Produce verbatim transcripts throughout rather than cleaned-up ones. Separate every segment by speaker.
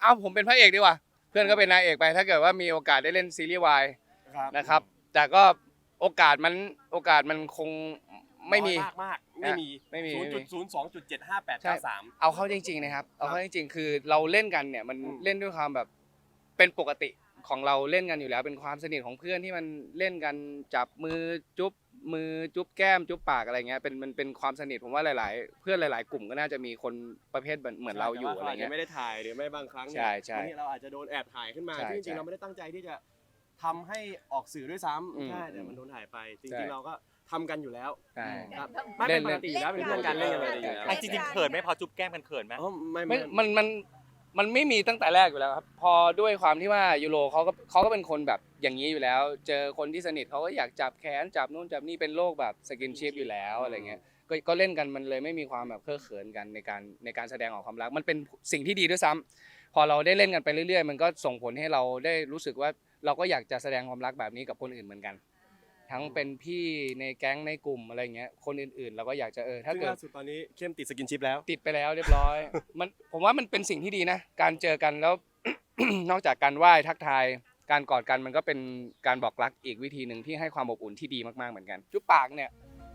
Speaker 1: เอาผมเป็นพระเอกดีกว่าเพื่อนก็เป็นนายเอกไปถ้าเกิดว่ามีโอกาสได้เล่นซีรีส์วายนะครับแต่ก็โอกาสมันโอกาสมันคงไม่มี
Speaker 2: มากมากไม่มี
Speaker 1: ไม่มี
Speaker 2: ศูนย์จุดศูนย์สองจุดเจ็ดห้าแปดเก้าสาม
Speaker 1: เอาเข้าจริงๆนะครับเอาเข้าจริงๆคือเราเล่นกันเนี่ยมันเล่นด้วยความแบบเป็นปกติของเราเล่นกันอยู่แล้วเป็นความสนิทของเพื่อนที่มันเล่นกันจับมือจุ๊บมือจุ๊บแก้มจุ๊บปากอะไรเงี้ยเป็นมันเป็นความสนิทผมว่าหลายๆเพื่อนหลายๆกลุ่มก็น่าจะมีคนประเภทเหมือนเหมือนเราอยู่อะไรเงี้ย
Speaker 2: ไม่ได้ถ่ายหรือไม่บางครั้ง
Speaker 1: ใช่ใช่
Speaker 2: เราอาจจะโดนแอบถ่ายขึ้นมาที่จริงๆเราไม่ได้ตั้งใจที่จะทำให้ออกสื่อด้วยซ้ำใช่แต่มันโดนถ่ายไปจริงๆเราก็ทำกันอยู่แล้วครับไม่เป็นปกติอยู่แล้วเป็นเรื่องการเล่นกันเลยอยู่แล้ว
Speaker 3: จริงๆเขินไหมพอจุ๊บแก้มกันเขินไหม
Speaker 1: ไม่มันมันมันไม่มีตั้งแต่แรกอยู่แล้วครับพอด้วยความที่ว่ายูโรเขาก็เขาก็เป็นคนแบบอย่างนี้อยู่แล้วเจอคนที่สนิทเขาก็อยากจับแขนจับนู่นจับนี่เป็นโรคแบบสกินชิพอยู่แล้วอะไรเงี้ยก็ก็เล่นกันมันเลยไม่มีความแบบเคอะเขินกันในการในการแสดงออกความรักมันเป็นสิ่งที่ดีด้วยซ้ำพอเราได้เล่นกันไปเรื่อยๆมันก็ส่งผลให้เราได้รู้สึกว่าเราก็อยากจะแสดงความรักแบบนี้กับคนอื่นเหมือนกันทั้งเป็นพี่ในแก๊งในกลุ่มอะไรเงี้ยคนอื่นๆเราก็อยากจะเออถ้าเกิด
Speaker 2: ล่าสุดตอนนี้เข้มติดสกินชิปแล้ว
Speaker 1: ติดไปแล้วเรียบร้อยมันผมว่ามันเป็นสิ่งที่ดีนะการเจอกันแล้ว นอกจากการไหว้ทักทายการกอดกันมันก็เป็นการบอกรักอีกวิธีหนึ่งที่ให้ความอบอุ่นที่ดีมากๆเหมือนกันจุ๊บปากเนี่ย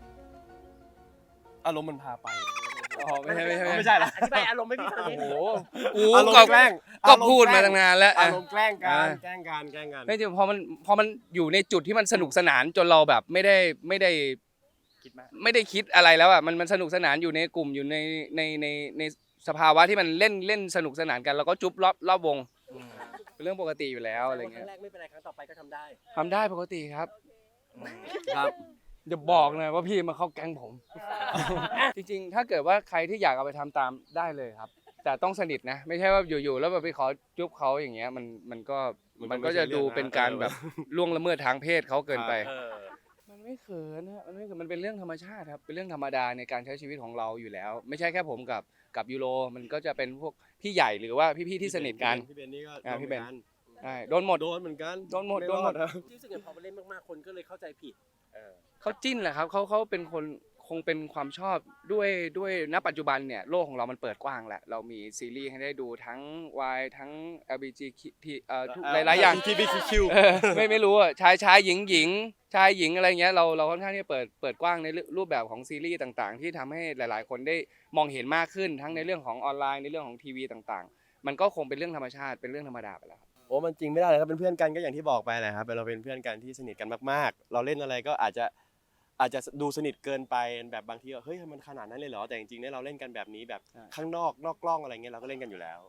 Speaker 2: อารมณ์มันพาไป
Speaker 1: อ๋อไม่ใช่ไม่ใช่
Speaker 2: ไม่ใช่ละ
Speaker 3: อธิบายอารมณ์ไม่มีทางนี้
Speaker 1: โอ้โหกู
Speaker 2: อารม
Speaker 1: ก็
Speaker 2: ณ์แกล้ง
Speaker 1: ก็พูดมาตั้งนานแล้ว
Speaker 2: อารมณ์แกล้งกันแกล้งกันแกล้งกัน
Speaker 1: ไม่จริงพอมันพอมันอยู่ในจุดที่มันสนุกสนานจนเราแบบไม่ได้ไม่ได้คิดมากไม่ได้คิดอะไรแล้วอ่ะมันมันสนุกสนานอยู่ในกลุ่มอยู่ในในในในสภาวะที่มันเล่นเล่นสนุกสนานกันแล้วก็จุ๊บรอบรอบวงเป็นเรื่องปกติอยู่แล้วอะไรเงี้ย
Speaker 3: ครั้งแรกไม่เป็นไรครั้งต่อไปก็ทำได้
Speaker 1: ทำได้ปกติครับ
Speaker 2: ครับ
Speaker 1: อย่าบอกนะว่าพี่มาเข้าแก๊งผม จริงๆถ้าเกิดว่าใครที่อยากเอาไปทำตามได้เลยครับแต่ต้องสนิทนะไม่ใช่ว่าอยู่ๆแล้วแบบไปขอจุ๊บเขาอย่างเงี้ยมันมันก็มันก็จะดูเป็นการแบบล่วงละเมิดทางเพศเขาเกินไปมันไม่เขินนะมันไม่เขินมันเป็นเรื่องธรรมชาติครับเป็นเรื่องธรรมดาในการใช้ชีวิตของเราอยู่แล้วไม่ใช่แค่ผมกับกับยูโรมันก็จะเป็นพวกพี่ใหญ่หรือว่าพี่ๆที่สนิทกัน
Speaker 2: พี่เบนนี่ก็
Speaker 1: พี่เบนใช่โดนหมด
Speaker 2: โดนเหมือนกัน
Speaker 1: โดนหมดโดนหมด
Speaker 3: รู้สึกอย่างพอไปเล่นมากๆคนก็เลยเข้าใจผิด
Speaker 1: เขาจิ้นแหละครับเขาเขาเป็นคนคงเป็นความชอบด้วยด้วยณปัจจุบันเนี่ยโลกของเรามันเปิดกว้างแหละเรามีซีรีส์ให้ได้ดูทั้ง Y ทั้ง แอล บี จี ที เอ่อทุกหลายๆอย่าง
Speaker 2: ที บี คิว
Speaker 1: ไม่ไม่รู้อ่ะชายชายหญิงหญิงชายหญิงอะไรเงี้ยเราเราค่อนข้างที่จะเปิดเปิดกว้างในรูปแบบของซีรีส์ต่างๆที่ทำให้หลายๆคนได้มองเห็นมากขึ้นทั้งในเรื่องของออนไลน์ในเรื่องของทีวีต่างๆมันก็คงเป็นเรื่องธรรมชาติเป็นเรื่องธรรมดาไปแล้ว
Speaker 2: โอ้มันจริงไม่ได้เลยครับเป็นเพื่อนกันก็อย่างที่บอกไปแหละครับเราเป็นเพื่อนกันที่สนิทกันมากๆเราเล่นอะไรก็อาจจะอาจจะดูสนิทเกินไปแบบบางทีเฮ้ยมันขนาดนั้นเลยเหรอแต่จริงๆเนี่ยเราเล่นกันแบบนี้แบบข้างนอกนอกกล้องอะไรเงี้ยเราก็เล่นกันอยู่แล้ว